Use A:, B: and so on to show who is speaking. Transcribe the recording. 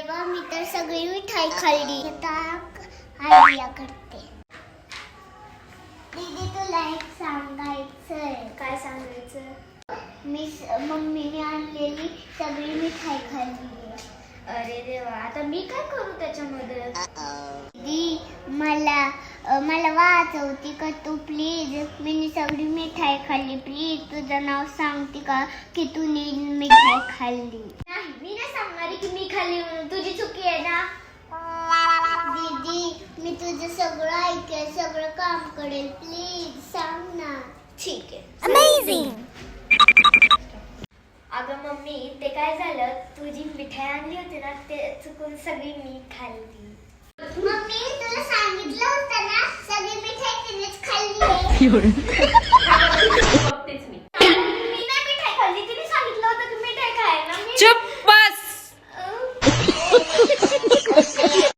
A: तेव्हा मी तर सगळी मिठाई खाल्ली. आता आयडिया करते. दीदी तुला एक सांगायचंय.
B: काय सांगायचं?
A: मम्मीने आणलेली सगळी मिठाई खाल्ली.
B: अरे देवा, आता मी काय करू त्याच्यामध्ये?
A: दीदी मला वाचवती का तू प्लीज? मी सगळी मिठाई खाल्ली. प्लीज तुझं नाव सांगते का की तू मिठाई खाल्ली?
B: नाही, मी नाही सांगणार की मी खाल्ली म्हणून. तुझी चुकी आहे ना.
A: दीदी मी तुझं सगळं ऐकेल, सगळं काम करेल. प्लीज सांग ना.
B: ठीक आहे.
A: अमेझिंग.
B: अगं मम्मी, ते काय झालं, तुझी मिठाई आणली होती ना, ते चुकून सगळी मी खाल्ली.
A: मम्मी तुला सांगितलं होतं ना सगळी मिठाई तिनेच खाल्ली.